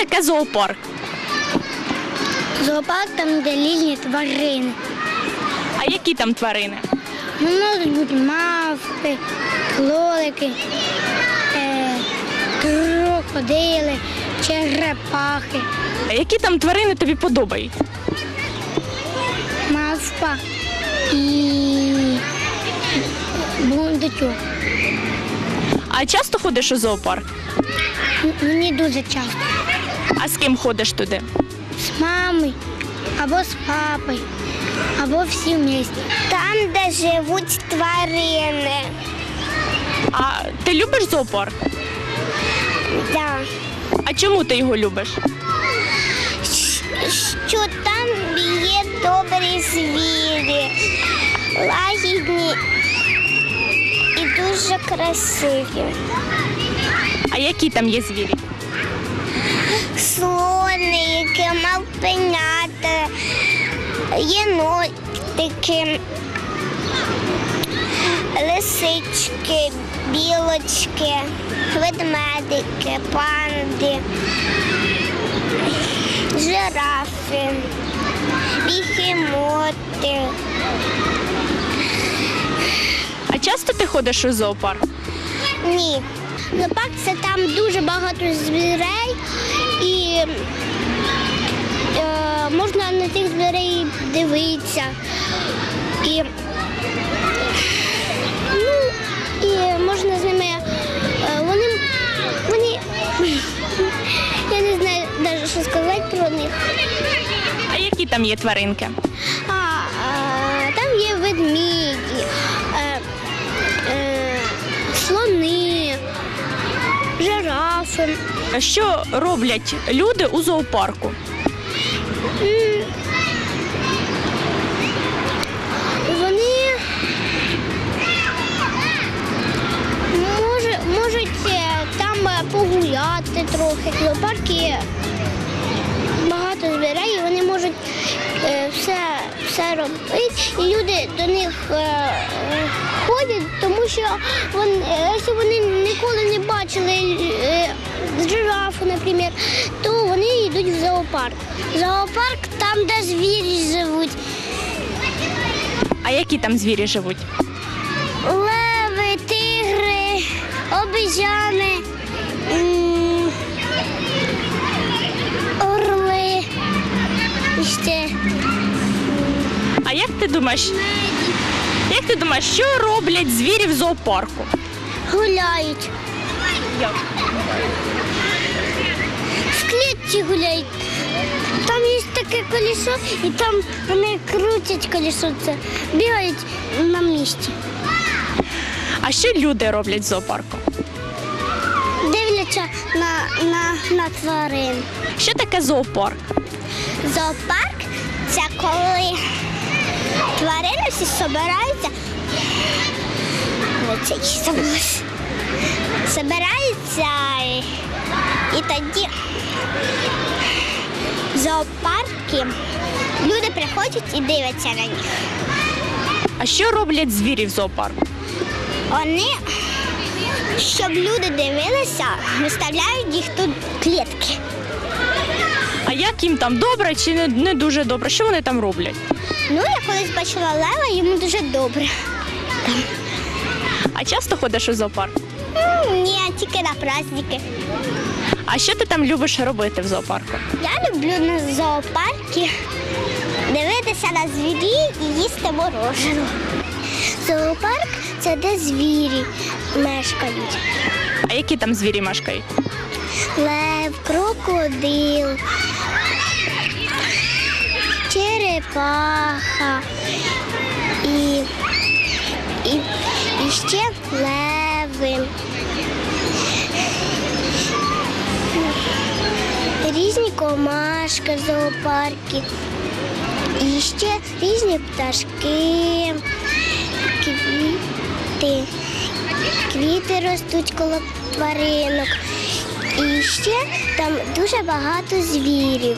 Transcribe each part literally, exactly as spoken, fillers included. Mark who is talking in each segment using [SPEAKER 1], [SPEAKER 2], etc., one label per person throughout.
[SPEAKER 1] таке зоопарк?
[SPEAKER 2] Зоопарк там, де різні тварини.
[SPEAKER 1] А які там тварини?
[SPEAKER 2] Ну, можуть бути мавпи, кролики, е, крокодили, черепахи,
[SPEAKER 1] А які там тварини тобі подобаються?
[SPEAKER 2] мавпа і бурундучок.
[SPEAKER 1] А часто ходиш у зоопарк?
[SPEAKER 2] М- Мені дуже часто.
[SPEAKER 1] А з ким ходиш туди?
[SPEAKER 2] З мамою, або з папою, або всі вместе. Там, де живуть тварини.
[SPEAKER 1] А ти любиш зоопарк?
[SPEAKER 2] Да.
[SPEAKER 1] А чому ти його любиш?
[SPEAKER 2] Що там є добрі звірі, лагідні і дуже красиві.
[SPEAKER 1] А які там є звірі?
[SPEAKER 2] Слоники, мавпенята, єнотики, лисички, білочки, ведмедики, панди, жирафи, бігемоти.
[SPEAKER 1] А часто ти ходиш у зоопарк?
[SPEAKER 2] Ні. Зоопарк – це там дуже багато звірей і е, можна на тих звірей дивитися. І, ну, і можна з ними, е, вони, вони, я не знаю навіть, що сказати про них.
[SPEAKER 1] А які там є тваринки?
[SPEAKER 2] А, а, там є ведмеді, е, е, слони, жирафи.
[SPEAKER 1] А що роблять люди у зоопарку?
[SPEAKER 2] М, Вони може, можуть е, там е, погуляти трохи. В зоопарку багато звірей, і вони можуть е, все, все робити. І люди до них е, е, ходять, тому що вони, е, якщо вони ніколи не бачили е, жирафу, наприклад, то вони йдуть в зоопарк. Зоопарк там, де звірі живуть.
[SPEAKER 1] А які там звірі живуть?
[SPEAKER 2] Леви, тигри, обезьяни, м, орли. І ще
[SPEAKER 1] А як ти думаєш, як ти думаєш, що роблять звірі в зоопарку?
[SPEAKER 2] гуляють.
[SPEAKER 1] Як?
[SPEAKER 2] В клітці гуляють. Там є таке колесо, і там вони крутять колесо, це бігають на місці.
[SPEAKER 1] А що люди роблять в зоопарку?
[SPEAKER 2] Дивляться на, на, на тварин.
[SPEAKER 1] Що таке зоопарк?
[SPEAKER 2] Зоопарк це коли тварини всі збираються. Оце і забулось. Збираються і, і тоді в зоопарки люди приходять і дивляться на них.
[SPEAKER 1] А що роблять звірі в зоопарку?
[SPEAKER 2] Вони, щоб люди дивилися, виставляють їх тут в клітки.
[SPEAKER 1] А як їм там добре чи не, не дуже добре? Що вони там роблять?
[SPEAKER 2] Ну, я колись бачила лева, йому дуже добре.
[SPEAKER 1] А часто ходиш у зоопарк?
[SPEAKER 2] М, Ні, тільки на праздники.
[SPEAKER 1] А що ти там любиш робити в зоопарку?
[SPEAKER 2] Я люблю на зоопарки дивитися на звірі і їсти мороженое. Зоопарк – це де звірі мешкають.
[SPEAKER 1] А які там звірі мешкають?
[SPEAKER 2] Лев, крокодил, черепаха і, і, і ще леви. Різні комашки в зоопарку. І ще різні пташки, квіти. Квіти ростуть коло тваринок. І ще там дуже багато звірів.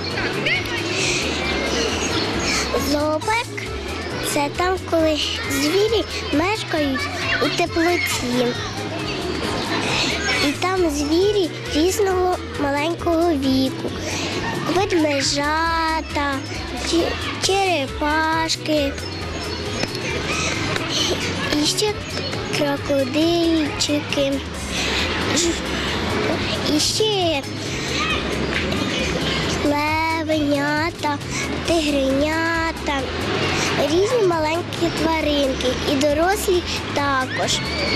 [SPEAKER 2] Зоопарк – це там, коли звірі мешкають у теплоті. І там звірі різного маленького віку. Ведмежата, чи- черепашки, і ще крокодильчики, ж- і ще левенята, тигренята, різні маленькі тваринки і дорослі також.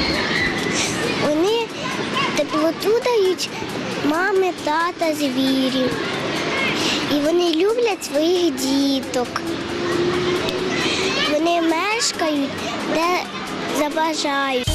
[SPEAKER 2] Вони теплоту дають мами, тата, звірі. І вони люблять своїх діток. Вони мешкають, де забажають.